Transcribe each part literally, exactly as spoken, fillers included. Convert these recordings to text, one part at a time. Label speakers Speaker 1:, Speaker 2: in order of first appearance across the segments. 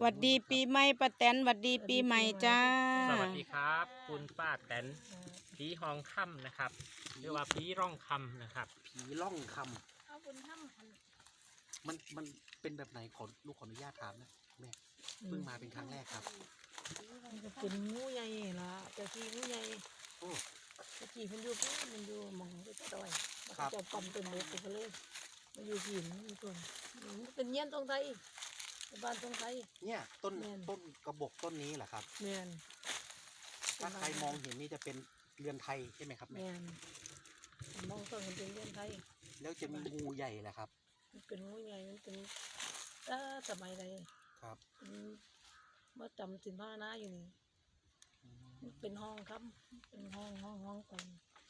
Speaker 1: หวัดดีปีใหม่ป้าแตนหวัดดีปีใหม่จ้า
Speaker 2: สวัสดีครับคุณป้าแตนผีหองค่ำนะครับหรือว่าผีร่องคำนะครับ
Speaker 3: ผีล่องค
Speaker 4: ำเอาบุญถ้ำ
Speaker 3: ำมันมันเป็นแบบไหนขอลูกขออนุญาตถามนะแม่เพิ่งมาเป็นครั้งแรกครับ
Speaker 4: มันจะเป็นงูใหญ่ละแต่ที่งูใหญ่
Speaker 3: โอ้
Speaker 4: แต่ที่มันอยู่มันอยู่มองก็จะดอยมันจะปั๊มเป็นเล็กไปเลยมันอยู่หินมันตัวมันเป็นเงี้ยนตรงไทยบ้านตรงไทย
Speaker 3: เนี่ยต้นต้นกระบอกต้นนี้แหละครับ
Speaker 4: แม่น
Speaker 3: ถ้าใครมองเห็นนี่จะเป็นเรือนไทยใช่ไหมครับแม่
Speaker 4: มองต้นมันเป็นเรือนไทย
Speaker 3: แล้วจะมีงูใหญ่แหละครับ
Speaker 4: มันเป็นงูใหญ่มันเป็นถ้าสมัยใด
Speaker 3: ครับ
Speaker 4: เมื่อจำสินผ้าหน้าอยู่นี่เป็นห้องครับเป็นห้องห้องห้องกัน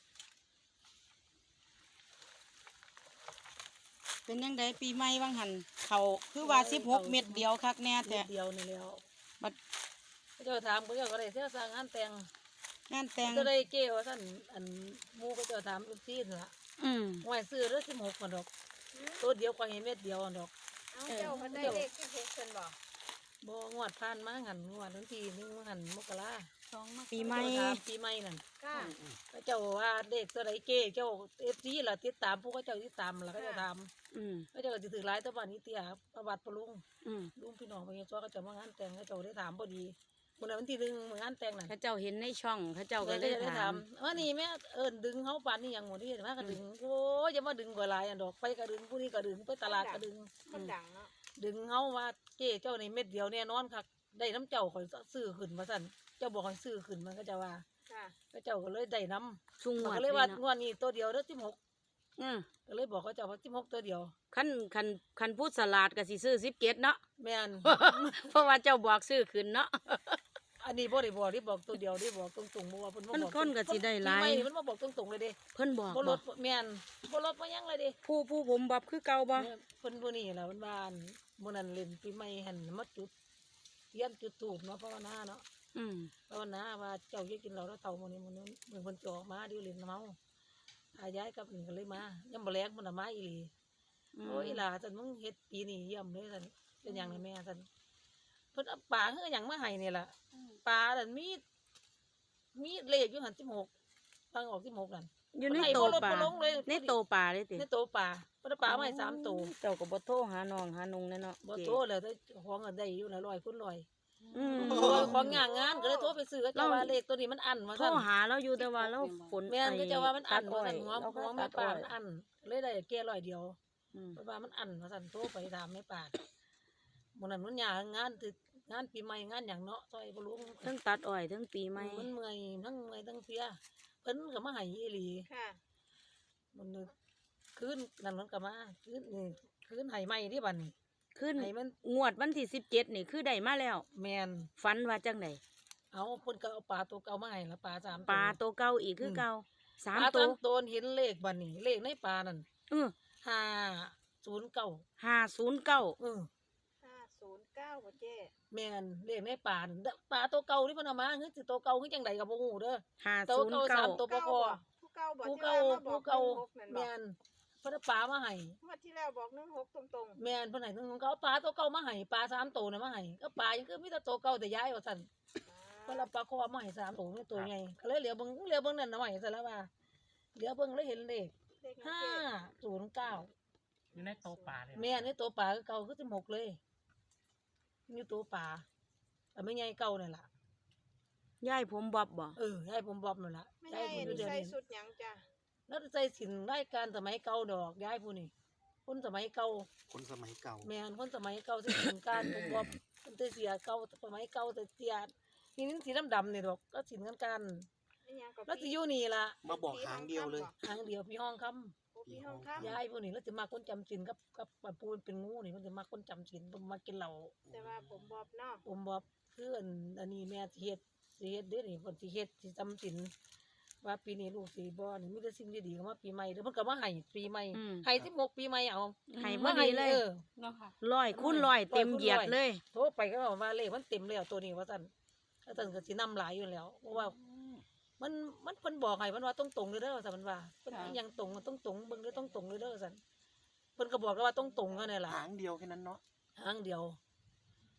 Speaker 1: เป็นยังไงปีใหม่บางหันเขาคือว่าสิบหกเม็ดเดียวคักแน่แต่
Speaker 4: เดียวนี่แล้ว
Speaker 1: บัด
Speaker 4: เจ้าถามเขาเจ้าก็ได้เที่ยวสร้างงานแต่ง
Speaker 1: งานแต่ง
Speaker 4: ก็ได้เกี่ยวท่านอันมูก็จะถามลูกซีนละ
Speaker 1: อืม
Speaker 4: หวยซื้อเรื่องสิบหกคนดอกตัวเดียวกว่าเม็ดเดียวดอก
Speaker 5: เอาเจ้ามันได้เลขสิบหกคนบ่
Speaker 4: บ่งวดผ่านมาหันงวดทันทีนึงหันมกรา
Speaker 5: สอง
Speaker 1: ปีใหม่
Speaker 4: ปีใหม่นั่น
Speaker 5: ค่ะ
Speaker 4: เจ้าว่าเด็กตัวใดเก้เจ้าเอฟซีล่ะติดตามผู้ก็เจ้าติดตามล่ะก็จะทำ
Speaker 1: อืม
Speaker 4: ก็เจ้าก็จะถือหลายตะวันนี้เตี้ยประวัติปลุง
Speaker 1: อืม
Speaker 4: ลุงพี่น้องไปเฮ็ดซัวก็จะมางานแต่งก็เจ้าได้ถามพอดีมื้อวันที่หนึ่งมื้องานแต่งนั่น
Speaker 1: เขาเจ้าเห็นในช่องเขาเจ้าก็
Speaker 4: เลย
Speaker 1: ได้ถาม
Speaker 4: ว่านี่แม่เอิ้นดึงเฮาปานนี้หยังหมดนี่มาก็ดึงโอ้ยอย่ามาดึงกว่าหลายอันดอกไปก็ดึงผู้นี้ก็ดึงไปตลาดก็ดึง
Speaker 5: คนดังเนาะ
Speaker 4: ดึงเฮาว่าเจ้เจ้าในเม็ดเดียวแน่นอนคักได้น้ำเจ้าข่อยซื้อขึ้นมาสั่นเจ้าบอกให้ซื้อขึ้นมันก็จะว่า
Speaker 5: ค่ะ
Speaker 4: ก็เจ้าก็เลยได้น้ำ
Speaker 1: ชุ่ง
Speaker 4: ก็เลยว่างวดนี้ตัวเดียวเด้อสิบหก
Speaker 1: อืม
Speaker 4: ก็เลยบอกเขาเจ้าว่าสิบหกตัวเดียว
Speaker 1: คันคันคันพูดสลัดก็สิซื้อสิบเจ็ดเนาะ
Speaker 4: แม่น
Speaker 1: เพราะว่าเจ้าบอกซื้อขึ้นเนาะ
Speaker 4: อันนี้บ่ได้บอกที่บอกตัวเดียวได้บอกตรงๆบ่ว่าเพิ่นบ่บอก
Speaker 1: คนก็สิได้หลาย
Speaker 4: ไม่มันบ่บอกตรงๆเลยเด้
Speaker 1: เพิ่นบอก
Speaker 4: บ่ลดแม่นบ่ลดบ่ยังเลยเด้
Speaker 1: ผู้ผู้ผมบอกคือเก่าบ่
Speaker 4: เพิ่นผู้นี้ล่ะมันว่ามื้อนั้นเล่นปีใหม่หั่นมาจุดเทียนจุดธูปเนาะภาวนาเนาะ
Speaker 1: อืม
Speaker 4: ภาวนาว่าเจ้าอย่ากินเหล้าแล้วเฒ่ามื้อนี้มื้อนึงเพิ่นจะออกมาเดี๋ยวเล่นเมาอาย้ายกับนี่ก็เลยมายามบ่แลงมันน่ะมาอีหลีโอ้ยอีหล่าซั่นมึงเฮ็ดปีนี้เยี่ยมเลยซั่นเป็นหยังแม่ซั่นเพิ่นเอาปลาเฮือหยังมาให้นี่ล่ะปลานั่นมีมีเลขอยู่หั่นสิบหกฟังออกสิบหกนั่น
Speaker 1: อยู่ในโตปลาในโตปลาเลยติ
Speaker 4: ในโตปลาเพิ่นปลามาให้สามโต
Speaker 1: เจ้าก็บ่โทรหาน้องหานุงแน่เนาะ
Speaker 4: บ่โทรแล้วแต่ของอันได้อยู่น่ะร้อยคูณร้อย
Speaker 1: อืม
Speaker 4: ของงานงานก็เลยโทรไปซื้อก็เจ้าว่าเลขตัวนี้มันอั้นว่า
Speaker 1: โทรหาเราอยู่แต่ว่าเราฝน
Speaker 4: แม่นก็เจ้าว่ามันอั้นว่าซั่นหัวหัวแม่ปลามันอั้นเลยได้แค่ร้อยเดียวเพราะว่ามันอั้นว่าซั่นโทรไปถามแม่ปลามื้อนั้นมันยากงานตึกงานปีใหม่งานหยังเนาะซอยบ่รู้
Speaker 1: ทั้งตัดอ้อยทั้งปีใหม่
Speaker 4: มันเมื่อยทั้งเมื่อยทั้งเสียเพิ่นก็มาให้อีหลี
Speaker 5: ค่ะ
Speaker 4: มันคืนนั่นมันก็มาคืนนี่คืนให้ใหม่ดิบัดนี้
Speaker 1: คืนให้มันงวดวันที่สิบเจ็ดนี่คือได้มาแล้ว
Speaker 4: แม่น
Speaker 1: ฝันว่าจังได๋
Speaker 4: เอาเพิ่นก็เอาปลาตัวเก่ามาให้ละปลาสามตัว
Speaker 1: ปลาตัวเก่าอีกคือเก่าสาม
Speaker 4: ตัวตัวเห็นเลขบัดนี้เลขในปลานั่น
Speaker 1: เออ
Speaker 4: ห้าศูนย์เก้า
Speaker 1: ห้าศูนย์เก้า
Speaker 4: เออ
Speaker 5: ห้าศูนย์เก้าบ่เจ้
Speaker 4: แม่นเลขในปลาปลาตัวเก่าที่เพิ่นเอามาคือสิตัวเก่าคือจังไดก็บ่ฮู้เด้อ
Speaker 1: ห้าศูนย์เก้า
Speaker 4: ตัวบ่พอ
Speaker 5: ผู้เก่าบ่
Speaker 4: ผู้เก่าผู้เก่าแม่นเพิ่นเอาปลามาให้
Speaker 5: งวดที่แล้วบอกหนึ่งหกตรง
Speaker 4: ๆแม่นเพิ่นให้ของเขาปลาตัวเก่ามาให้ปลาสามตัวน่ะมาให้ก็ปลายังคือมีแต่ตัวเก่าแต่ย้ายว่าซั่นเพิ่นเอาปลาคอมาให้สามตัวนี่ตัวใหญ่ก็เลยเหลือเบิ่งเหลือเบิ่งนั่นน่ะไว้ซั่นแล้วว่าเหลือเบิ่งแล้วเห็นเลขห้าศูนย์เก้า
Speaker 2: อยู่ในโตปลาเลย
Speaker 4: แม่ในตัวปลาคือเก่าคือสิบหกเลยอยู่ตัวปลาแต่ไม่ใหญ่เก่านั่นล่ะ
Speaker 1: ยายผมบอบบ่
Speaker 4: เออยายผมบอบนั่นล่ะ
Speaker 5: ยายผมใส่สุดหยังจ้ะ
Speaker 4: แล้วใส่สินรายการสมัยเก่าดอกยายผู้นี่คนสมัยเก่า
Speaker 3: คนสมัยเก่า
Speaker 4: แม่นคนสมัยเก่าใส่สินการผมบอบเป็นเสียเก่าสมัยเก่าแต่เสียนี่นี่สีดำๆนี่ดอกก็สินกันกันแล้วสิอยู่นี่ล่ะ
Speaker 3: มาบอกหางเดียวเลย
Speaker 4: หางเดียวพี่ห้องคำยายผู้นี่แล้วจะมาคนจำสินกับกับปูนเป็นงูนี่มันจะมาคนจำสินมันมากินเหล้า
Speaker 5: แต่ว่าผมบอบเนาะ
Speaker 4: ผมบอบคืออันอันนี้แม่สิเฮ็ดสิเฮ็ดเด้อนี่เพิ่นสิเฮ็ดสิจำสินว่าปีนี้ลูกสิบ่นี่มีแต่สิ่งดีๆเข้ามาปีใหม่เด้อเพิ่นก็มาให้ปีใหม่ให้สิบหกปีใหม่เอา
Speaker 1: ให้บ่ดีเลย
Speaker 4: เนาะค่ะ
Speaker 1: ร้อยคูณร้อยเต็มเหยียดเลย
Speaker 4: โทรไปก็บอกว่าเลขมันเต็มแล้วตัวนี้ว่าซั่นแล้วซั่นก็สินำหลายอยู่แล้วเพราะว่ามันมันเพิ่นบอกให้มันว่าตรงๆเด้อเด้อว่าซั่นมันว่าเพิ่นยังตรงต้องตรงเบิ่งเด้อต้องตรงเด้อเด้อซั่นเพิ่นก็บอกว่าต้องตรงเท่านั้นล่ะ
Speaker 3: หางเดียวแค่นั้นเนาะ
Speaker 4: หางเดียว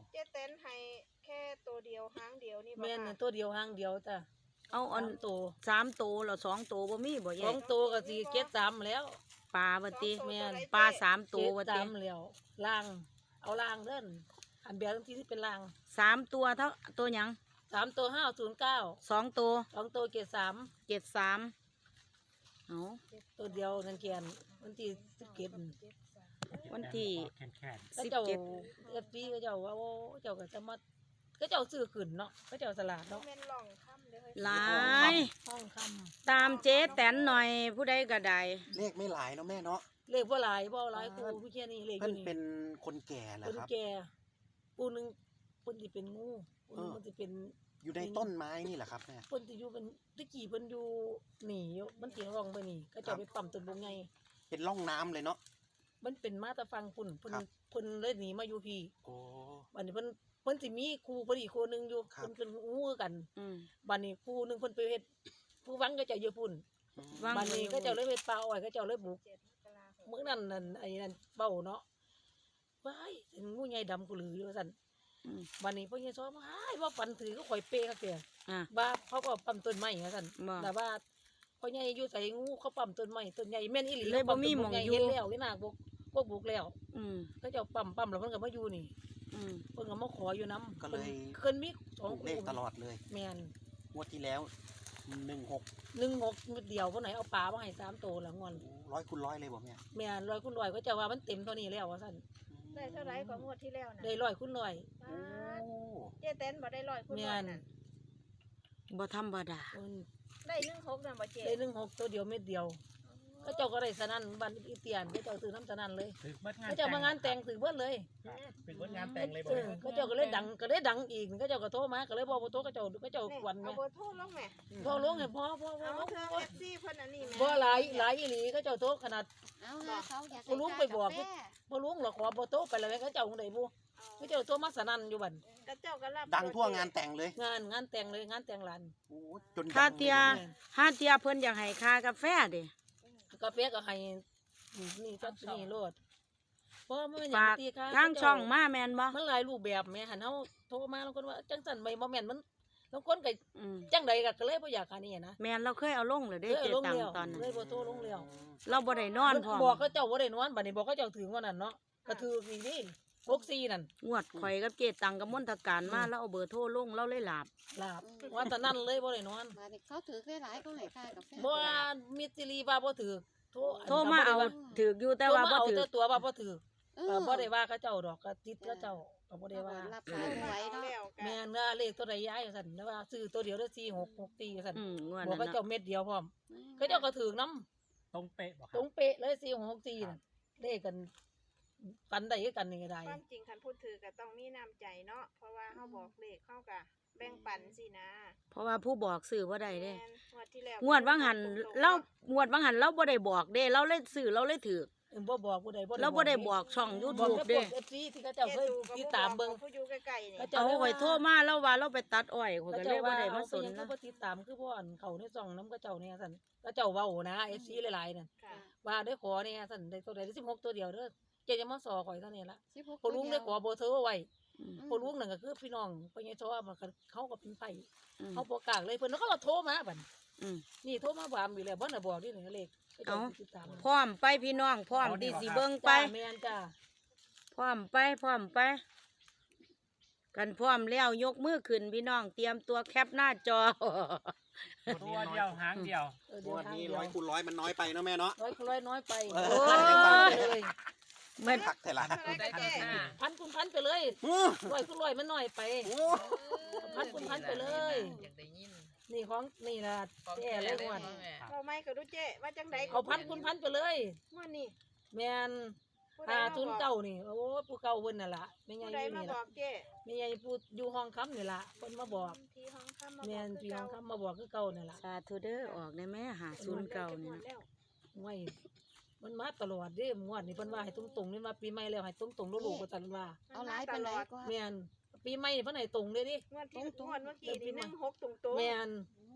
Speaker 5: เจ๊เต้นให้แค่ตัวเดียวหางเดียวนี่บ่
Speaker 4: แม่น
Speaker 5: ค่ะ
Speaker 4: ตัวเดียวหางเดียวจ้ะ
Speaker 1: เอาอัน
Speaker 4: สามตัว
Speaker 1: สามตัวแล้วสองตัวบ่มีบ่
Speaker 4: ส
Speaker 1: แย่
Speaker 4: องตัวก็สิเก็ดสามแล้ว
Speaker 1: ปลาบ่ติ
Speaker 4: แม่น
Speaker 1: ปลาสามตัว
Speaker 4: เก็
Speaker 1: บ่
Speaker 4: ด
Speaker 1: ติ
Speaker 4: สามแล้วล่างเอาล่างเด้อนอันเบียร์ที่ที่เป็นล่าง
Speaker 1: สามตัวเท่าตัวหยัง
Speaker 4: สามตัวห้าศูนย์เก้า
Speaker 1: สองตัว
Speaker 4: สองตัวเก็ดสาม
Speaker 1: เจ็ดสามเอา
Speaker 4: ตัวเดียวนั่นเกียนวันที่สิบเก็ด
Speaker 1: วันที่
Speaker 2: แคนแคน
Speaker 4: ก็
Speaker 1: สิบ
Speaker 4: เจ้า
Speaker 1: เจ็ด
Speaker 4: เอฟซีก็เจ้าว่าโอ้เจ้าก็จะมาก็เจ้าซื้อขึ้นเนาะก็เจ้าสลาดเนาะ
Speaker 5: แม่นล่องค่ำเด้อเฮ้ย
Speaker 1: หลาย
Speaker 4: ห้องค
Speaker 1: ตามเจ๊แตนหน่อยผู้ใดก็ได้
Speaker 3: เลขไม่หลายเนาะแม่เนาะ
Speaker 4: ำเลขว่าหลายบ่หลายครูพี่แค่นี้เลขอ
Speaker 3: เพิ่น
Speaker 4: ยู่นี่
Speaker 3: เป็นคนแก่เหรอ
Speaker 4: คน
Speaker 3: ครับ
Speaker 4: แก่ปูหนึงเพิ่นสิเป็นงูปูหนึง
Speaker 3: เออ
Speaker 4: มันสิเป็น
Speaker 3: อยู่ในต้นไม้นี่แหละครับแม่
Speaker 4: เพิ่นสิอยู่เป็นตะกี้เพิ่นอยู่หนีอยู่มันสิร่องไปนี่ก็เจ้าไปปั๊มต้นบงไง
Speaker 3: เป็นร่องน้ำเลยเนาะ
Speaker 4: มันเป็นมาแตะฟังพุ่นเพิ่น
Speaker 3: ครับ
Speaker 4: เพิ่นเลยหนีมาอยู่พี่
Speaker 3: โอ้
Speaker 4: บัดนี้เพิ่นเพิ่นสิมีครูเพิ่นอีกคนหนึงอยู่
Speaker 3: ครับ
Speaker 4: เพิ่นเป็นงูคือกัน
Speaker 1: อืม
Speaker 4: บัดนี้ครูหนึงเพิ่นไปเฮ็ดผู้หวังก็เจ้าอยู่พุ่น
Speaker 3: อืม
Speaker 1: ว่าง
Speaker 4: บัดนี้ก็เจ้าเลยไปปลาอ้อยก็เจ้าเลยบุก
Speaker 5: เจ็ดมกราคม
Speaker 4: มื้อนั้นนั่นไอ้นั่นเบ้าเนาะว้ายเป็นงูใหญ่ดำกูหลืออยู่ว่าซั่น
Speaker 1: อืม
Speaker 4: บัดนี้พ่อใหญ่ซ้อมว้ายว่าปันถือก็ข่อยเปคักแก
Speaker 1: อ่ะ
Speaker 4: ว่าเขาก็ปั๊มต้นไม้ว่าซั่น
Speaker 1: บ่
Speaker 4: แต่ว่าพ่อใหญ่อยู่ใส่งูเขาปั๊มต้นไม้ต้นใหญ่แม่นอีหลี
Speaker 1: เลยบ่มีหม้องอยู่
Speaker 4: เห็นแล้วนี่น่ะบุกพวกบุกแล้ว
Speaker 1: อืม
Speaker 4: ก็เจ้าปั๊มปั๊มแล้วเพิ่นก็มาอยู่นี่
Speaker 1: อืม
Speaker 4: เพิ่นก็มาขออยู่นำ
Speaker 3: ก็เลย
Speaker 4: เพิ่นมีสอง
Speaker 3: ถูกเลขตลอดเลย
Speaker 4: แม่น
Speaker 3: งวดที่แล้วหนึ่งหก
Speaker 4: หนึ่งหกนิดเดียวเพิ่นให้เอาปลามาให้สามโตละงอน
Speaker 3: ร้อยคูณร้อยเลยบ่แม่
Speaker 4: แม่นร้อยคูณร้อยก็เจ้าว่ามันเต็มเท่านี้แล้วว่าซั่น
Speaker 5: ได้เท่าไหร่กว่างวดที่แล้วน่ะ
Speaker 4: ได้ร้อยคูณร้อย
Speaker 3: โอ้
Speaker 5: เจ๊เต้นบ่ได้ร้อยคุณ
Speaker 4: แม่
Speaker 5: ร้อย
Speaker 4: น
Speaker 5: น่ะ
Speaker 1: บ่ธรรมดา
Speaker 4: เพิ่น
Speaker 5: ได้หนึ่งหกน่ะบ่เจ๊
Speaker 4: ได้หนึ่งหกตัวเดียวเม็ดเดียวก็เจ้าก็ได้สนั่นบันอีเตียนก็เจ้าซื้อน้ำสนั่นเลย
Speaker 2: ถือเบิดงาน
Speaker 4: ก็เจ้ามางานแต่งถือเบิดเลย
Speaker 2: เป็นเบิดงานแต่งเลยบ่
Speaker 4: เออก็เจ้าก็เลยดังก็เลยดังอีกก็เจ้าก็โทรมาก็เลยบอกว่าโทรก็เจ้าก็เจ้า
Speaker 5: นี่
Speaker 4: วัน
Speaker 5: เอา
Speaker 4: แม่
Speaker 5: เบอร์โทรลงแม่
Speaker 4: โทรลงให้พ่อพ่อพ่อ
Speaker 5: เอา
Speaker 4: พ่อ
Speaker 5: เธอ เอฟซีเพิ่นอันนี้แม่
Speaker 4: บ่หลายหลายอีหลีก็เจ้าโทรขนาด
Speaker 6: เอาหาเขาอยาก
Speaker 4: บ่รู้ไปบอกบ่ลุงหรอกขอบ่โทรไปแล้วแม่ก็เจ้าคงได้บ่ก็เจ้าโทรมาสนั่นอยู่บัด
Speaker 5: ก็เจ้าก็รับ
Speaker 3: ดังทั่วงานแต่งเลย
Speaker 4: งานงานแต่งเลยงานแต่งหลาน
Speaker 3: โอ้จน
Speaker 1: ถ้า
Speaker 3: ดัง
Speaker 1: เทีย
Speaker 3: ลนะ
Speaker 1: ถ้าเทียเพิ่นอยากให้ค่ากาแฟเด้
Speaker 4: กาแฟก็ให้นี่จัดนี่โลดเพราะมัน
Speaker 1: ฝาก
Speaker 4: ตีค่ะ
Speaker 1: ทางช่องมาแม่นบ่
Speaker 4: มันหลายรูปแบบแม่หันเฮาโทรมาแล้วคนว่าจังซั่นไม่บ่แม่นมันบางคนก็
Speaker 1: อืม
Speaker 4: จังใดก็เลยบ่อยากหานี่นะ
Speaker 1: แม่นเราเคยเอาลงเลยเด้
Speaker 4: เออ
Speaker 1: เจ๊
Speaker 4: ลง
Speaker 1: ตัง
Speaker 4: แล้ว
Speaker 1: ตอนนั้น
Speaker 4: เลยบ่โทรลงแล้ว
Speaker 1: เราบ่ได้นอนพร้อม
Speaker 4: บอกเขาเจ้าบ่ได้นอนบัดนี้บอกเขาเจ้าถึงว่านั่นเนาะก็ถืออีกนี่หกสี่นั่น
Speaker 1: งวดข่อยกับเจ๊ตังกับมนตการมาแล้วเอาเบอร์โทรลงเราเลยหลับ
Speaker 4: ลาบว่าแต่นั้นเลยบ่ได้นอน
Speaker 6: มาเนี่ยเขาถือหลายๆเขาให้ค่ากาแฟ
Speaker 4: บ่ว่ามิตรลีว่าบ่ถือโทร
Speaker 1: โทรมาเอาถือกอยู่แต่ว่าบ่
Speaker 4: โทรมเอ
Speaker 1: ถือ
Speaker 4: แต่ตัวว่าบ่ถือ
Speaker 6: เอ
Speaker 4: ก็
Speaker 6: อ
Speaker 4: บ่ได้ว่าเขาเจ้าดอกก็ติดเขาเจ้าก็บ่ได้ว่า
Speaker 6: รับสายไหวเนาะ
Speaker 5: แล้วกัน
Speaker 4: แม่นว่าเลขตัวใดย้ายว่าซั่นแต่ว่าซื้อตัวเดียวเด้อสี่หกหกสี่ว่าซั่น
Speaker 1: อืมงวด
Speaker 4: บอก
Speaker 1: นั้น
Speaker 4: เขาเจ้า
Speaker 1: เนาะ
Speaker 4: เม็ดเดียวพร้อมเขาเจ้าก็ถือนํ
Speaker 2: ตรงเป๊ะบ่ค
Speaker 4: ต
Speaker 2: รั
Speaker 4: ร
Speaker 2: บ
Speaker 4: งเป๊ะเลยสี่หกสี่น่ะเลขกันปันได้คือกันนี่ก็ได้
Speaker 5: ความจริงคันพูดถือก็ต้องมีน้ำใจเนาะเพราะว่าเฮาบอกเลขเข้าก็แบ่งปันสินะ
Speaker 1: เพราะว่าผู้บอกซื้อบ่ได้เด้
Speaker 5: แม่นงวดที่แล้ว
Speaker 1: งวดว่างหันเรางวดว่างหันเราบ่ได้บอกเด้เราเลยซื้อเราเลยถือ
Speaker 4: เอิ่มบ่บอกผู้ใดบ่
Speaker 1: เราบ่ได้บอกช่อง
Speaker 4: บอก
Speaker 1: YouTube
Speaker 4: แต่พ
Speaker 1: เด้
Speaker 4: วก เอฟ ซี ที่เขาเจ้าเคยติดตามเบิ่ง
Speaker 5: ผู้อยู่ใกล้ๆนี่
Speaker 4: ก็จะ
Speaker 1: เอาข่อยโทรมาแล้วว่าเราไปตัดอ้อยข่อย
Speaker 4: เขา
Speaker 1: ก็
Speaker 4: เจ้า
Speaker 1: เลยบ่
Speaker 4: ว่า
Speaker 1: ได้
Speaker 4: เอา
Speaker 1: มา
Speaker 4: ไป
Speaker 1: สน
Speaker 4: ยังคือ
Speaker 1: นะ
Speaker 4: บ่ติดตามคือพ่อนเขาในช่องนำเขาเจ้าเนี่ยซั่นเขาเจ้าเว้านะ เอฟ ซี หลายๆนั่น
Speaker 5: ค่ะ
Speaker 4: ว่าได้ขอเนี่ยซั่นได้ตัวใดได้สิบหกตัวเดียวเด้อเจ๊จะมาสอข่อยเท่านี้ละ
Speaker 6: สิบหก
Speaker 4: พอลุงได้ขอเบอร์โทรไว้
Speaker 1: อืม
Speaker 4: พอลุงนั่นก็คือพี่น้องพ่อใหญ่ชอมันก็เขาก็เป็นไผ
Speaker 1: อืม
Speaker 4: เขาบ่กล้าเลยเพิ่นเขาก็โทรมาบัด
Speaker 1: อืม
Speaker 4: นี่โทรมาบามอยู่แล้วบ่น่ะบอกนี่นี่เลขเขาเจ้า
Speaker 1: เอ้า
Speaker 4: ติดตาม
Speaker 1: พร้อมไปพี่น้องพร้อมที่สิเบิ่งไป
Speaker 4: จ้าแม่นจ้า
Speaker 1: พร้อมไปพร้อมไป กันพร้อมแล้วยกมือขึ้นพี่น้องเตรียมตัวแคปหน้าจอ
Speaker 2: ตัวเดียวหางเดียว
Speaker 4: เออ
Speaker 3: ง
Speaker 4: เดี๋ยว
Speaker 3: วด
Speaker 4: ทาง
Speaker 3: นี้
Speaker 4: เดียว
Speaker 3: ร้อยคูณร้อยมันน้อยไปเนาะแม่เนาะ
Speaker 4: ร้อยร้อยน้อยไป
Speaker 3: เออ
Speaker 4: โอ้ยเลย
Speaker 1: แม่น
Speaker 3: ผักแต่ละ
Speaker 5: เท่าไหร่ก็เจ๊
Speaker 4: พันคุณพันไปเลย
Speaker 3: อื้อ
Speaker 4: ร้อยคุณร้อยมันน้อยไป
Speaker 3: โอ้
Speaker 4: พันคุณพันไปเลย นี่ของนี่ล่ะแย่เลยงวด
Speaker 5: เราไม่ก็ดูเจ๊ว่าจังได๋
Speaker 4: เอาพันคุณพันไปเลย
Speaker 5: งวดนี้
Speaker 4: แม่น
Speaker 5: ผู้ใด
Speaker 4: หา
Speaker 5: มา
Speaker 4: ทุน
Speaker 5: บอก
Speaker 4: เก่านี่โอ้ผู้เก่าเพิ่นน่ะล่ะแม่ใหญ่
Speaker 5: ผู้
Speaker 4: อ
Speaker 5: ใด
Speaker 4: ยู่
Speaker 5: มา
Speaker 4: นี่
Speaker 5: บ
Speaker 4: ล่ะ
Speaker 5: อกเจ๊
Speaker 4: แม่ใหญ่ผู้อยู่ห้องค้ำนี่ล่ะเพิ่นมาบอก
Speaker 5: ที่ห้องค่ำมา
Speaker 4: แม่น
Speaker 5: บอก
Speaker 4: พี่ห้อง
Speaker 5: คือ
Speaker 4: ค้ำมาบอกคือเก่านี่ล่ะ
Speaker 1: สาธุเด้อออกได้แม่หาศูนย์เก่านี่นะ
Speaker 4: ไว้มันมาตลอดเด้งวดนี่เพิ่นว่าให้ตรงๆนี่ว่าปีใหม่แล้วให้ตรงๆลูกๆว่าซั่นว่า
Speaker 6: เอาหลายปานใดก็
Speaker 4: แม่นปีใหม่นี่เพิ่นให้ตรงเด้ดิ
Speaker 5: งวดที่งวดเมื่อกี้นี่หนึ่งหกตรงๆ
Speaker 4: แม่น
Speaker 6: อืม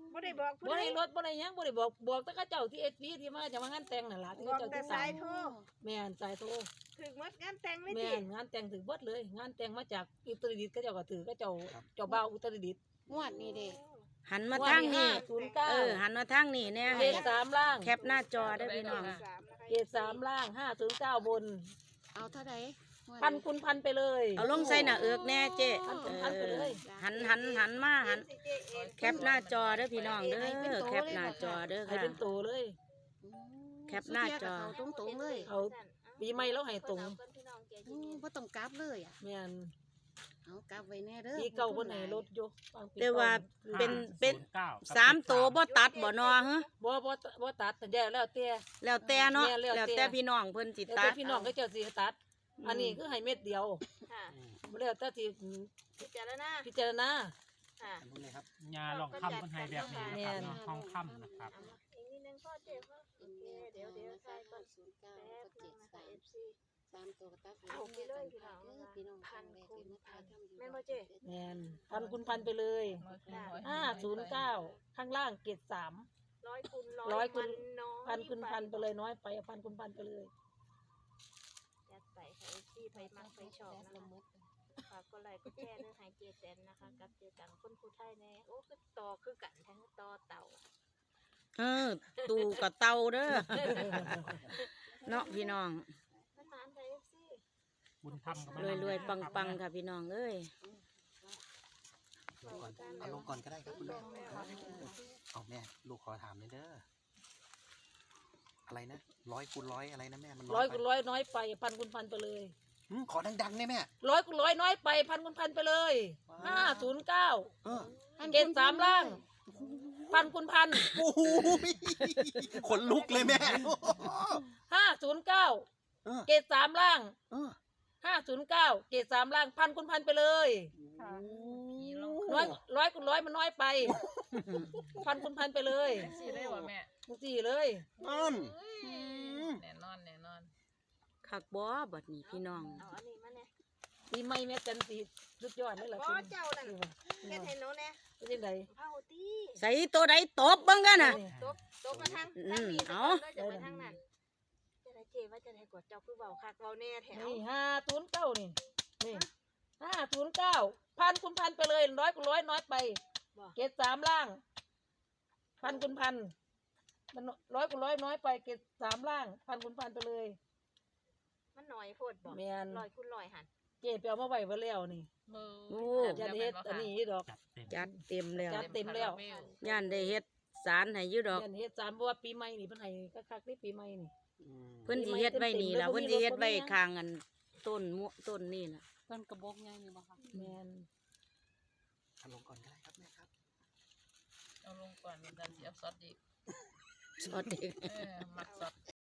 Speaker 5: บ่ได้บอกผู้
Speaker 4: บ่
Speaker 5: ใด
Speaker 4: ได้รถบ่ได้หยังบ่ได้บอกบอกแต่เขาเจ้าที่เอสพีที่มาจะมางานแต่งนั่นล่ะที่
Speaker 5: บอก
Speaker 4: เขาเจ้า
Speaker 5: แต่
Speaker 4: ที่
Speaker 5: สา
Speaker 4: ตาย ม
Speaker 5: โทร
Speaker 4: แม่นสายโทร
Speaker 5: ถึงหมดงานแต่งเลย
Speaker 4: แม่
Speaker 5: ติ
Speaker 4: นงานแต่งถึงเบิดเลย งานแต่งมาจากอุตรดิตถ์เขาเจ้าก็ถือเขาเจ้าเจ้าบ่าวอุตรดิตถ์
Speaker 6: งวดนี้เด้
Speaker 1: หันมาทางนี้
Speaker 4: ศูนย์เก้า
Speaker 1: เออหันมาทางนี้เนี่ย
Speaker 4: เกรดสามล่าง
Speaker 1: แคปหน้าจอได้อพี่น้อง
Speaker 5: สามนะคะ
Speaker 4: เกรดสามล่างห้าศูนย์เก้าบน
Speaker 6: เอาเท่าใดงวด
Speaker 4: พันคุณพันไปเลย
Speaker 1: เอาลงใส่หน้าเอือกแน่เจ๊
Speaker 4: หัน
Speaker 1: เอ
Speaker 4: หันไป
Speaker 1: อ
Speaker 4: เลย
Speaker 1: หันหันหันมาหัน
Speaker 5: สิเจเอ็น
Speaker 1: แคปหน้าจอเด้อพี่น้องเด้อแคปหน้าจอเด้อ
Speaker 4: ให้
Speaker 1: ค่ะ
Speaker 4: เป็นตัวเลย
Speaker 6: อืม
Speaker 1: แคปหน้าจอ
Speaker 6: สุดท้ยก็เขาตรงๆเลย
Speaker 4: เขาปีใหม่แล้วให้ตรง
Speaker 6: อืมบ่ต้องกลับเลยอ่ะ
Speaker 4: แม่น
Speaker 6: เอากลับไว้แน่เด้อ
Speaker 4: ปีเก่าคนไหนรถอยู่บงปี
Speaker 1: แต่ว่า
Speaker 4: ก่
Speaker 1: เป็นเป็น
Speaker 2: ศูย์ก้กับ
Speaker 1: สามตัวบ่ตัดบ่นอฮะ
Speaker 4: บ่บ่บ่ตัดแต่แย่แล้วแต่
Speaker 1: แล้วแต่เนาะ
Speaker 4: แม่แล้วแต่
Speaker 1: แล้วแต่พี่น้องเพิ่นสิ
Speaker 4: แล้ว
Speaker 1: ตั
Speaker 4: แต่
Speaker 1: ด
Speaker 4: พี่น้องก็เจ้าสิตัด อันนี้คือให้เม็ดเดียว
Speaker 5: ค่ะ
Speaker 4: บ่แล้วแต่สิ
Speaker 5: พิจารณา
Speaker 4: พิจารณา
Speaker 5: ค่ะ
Speaker 3: อันนู้นเลยครับ
Speaker 2: ยาลองคำคนไทยแบบนี้นะครับเนาะทองคำนะครับ
Speaker 5: อีกนิดนึงพ่อเจ็บพ่อโอเคเดี๋ยวเดี๋ยวใส่ก่อน
Speaker 6: ศูนย์เก้า
Speaker 5: แป๊บ
Speaker 6: ก็
Speaker 5: นึ
Speaker 6: เจ็
Speaker 5: ง
Speaker 6: ด
Speaker 5: นะคะ
Speaker 6: สาม
Speaker 5: เอฟซี
Speaker 6: สามตัวก็ตัด
Speaker 5: เอาไปเลยพี่น้อง
Speaker 6: เออพี่น้อง
Speaker 5: พัน
Speaker 6: แรก
Speaker 5: คูณ
Speaker 6: ที่มาถ่ายทำอยู่
Speaker 5: แม่นบ่เจ๊
Speaker 4: แม่นพันคุณพันไปเลยห้าศูนย์เก้าข้างล่างเกรดสาม
Speaker 5: ร้อยคูณร้อย
Speaker 4: ร้อยคูณ
Speaker 5: มันน้อย
Speaker 4: พันคุณพันไปเลยน้อยไปเอาพันคุณพันไปเลย
Speaker 5: จัดไปค่ะเอฟซีไผมักไผชอบนะคะฝากกดไลค์กดแชร์เรื่องหายเจแตนนะคะกับเจตังคนผู้ไทยแน่โอ้คือต่อคือกันทั้งต่อเต่า
Speaker 1: เออตูกับเตาเด้อ เนาะพี่น้อง
Speaker 5: มันหมานไทยเอฟซี
Speaker 2: บุญธรรมกับ
Speaker 1: รวยรวยๆปังปังๆค่ะพี่น้องเอ้ย
Speaker 3: ลงก่อนเอาลงก่อนก็ได้ครับคุณแม่เอาแม่ลูกขอถามเลยเด้ออะไรนะร้อยคูณร้อยอะไรนะแม่มัน
Speaker 4: ร้อย
Speaker 3: ไป
Speaker 4: คูณร้อยน้อยไปพันคุณพันไปเลย
Speaker 3: อืมขอดังๆได้แม่
Speaker 4: ร้อยคูณร้อยน้อยไปพันคุณพันไปเลยห้าศูนย์เก้า
Speaker 3: เออ
Speaker 4: เกณฑ์สามล่างพันคุณพัน
Speaker 3: โอ้โหขนลุกเลยแม่
Speaker 4: ห้าศูนย์เก้า
Speaker 3: เออ
Speaker 4: เกณฑ์สามล่าง
Speaker 3: เออ
Speaker 4: ห้าศูนย์เก้าเกณฑ์สามล่างพันคุณพันไปเลยร้อยร้อยคูณร้อยมันน้อยไปพันคุณพันไปเลย
Speaker 7: สี่ได้บ่แม่
Speaker 4: สี่เลย
Speaker 3: นั่น
Speaker 7: แน่นอนแน่นอน
Speaker 1: คักบ่บัดนี้พี่น้อง
Speaker 5: เอาอันนี้มาเนี่ย
Speaker 4: ปีใหม่แม่จันสีสุดยอดเลยล่ะ
Speaker 5: บ่
Speaker 4: คุณ
Speaker 5: เจ้านั่นเฮ็ดให้หนูแน่
Speaker 4: เป็นยังไง
Speaker 5: เผาตี
Speaker 1: ใส่ตัวใดตบเบิ่งกันน่ะ
Speaker 5: ตบตบมาทาง
Speaker 1: อื
Speaker 5: ทาง
Speaker 1: ม
Speaker 5: นี้
Speaker 1: เอา
Speaker 5: จะไปทางนั้นจะได้เจว่าจะได้กดเจ้าคือเบาคักเบาแน่แถว
Speaker 4: นี่ห้าศูนย์เก้านี่นี่ห้าศูนย์เก้าพันคุณพันไปเลยร้อยคูณร้อยน้อยไป เกณฑ์สามล่าง พันคุณพันมันร้อยคูณร้อยน้อยไปเกณฑ์สามล่าง พันคุณพันไปเลย
Speaker 5: มันหน่อยโพดบ่
Speaker 4: แม่น
Speaker 5: ลอยคุณลอยหัน
Speaker 4: เจ๊ไปเอามาไว้ไว้แล้วนี่
Speaker 7: เบอร์
Speaker 1: โอ้
Speaker 4: อย่าได้เฮ็ดอันนี้ดอก
Speaker 2: จัดเต็ม
Speaker 1: จัดเต็มแล้ว
Speaker 4: จัด เต็มแล้ว
Speaker 1: ย่านได้เฮ็ดสารให้อยู่ดอก
Speaker 4: ยันเฮ็ดสามเพราะว่าปีใหม่นี่เพิ่นให้คักๆนี่ปีใหม่นี่
Speaker 3: อืม
Speaker 1: เพิ่นสิเฮ็ดไว้นี่ล่ะเพิ่นสิเฮ็ดไว้ข้างอันต้นมะต้นนี่ล่ะ
Speaker 6: ต้นกระบอกใหญ่นี่บ่คะ
Speaker 4: แม่น
Speaker 3: เอาลงก่อนก็ได้ครับแม่ครับ
Speaker 7: เอาลงก่อนมันจะเสียบซอสอีก
Speaker 1: สอดเด็ก
Speaker 7: เออมักซอส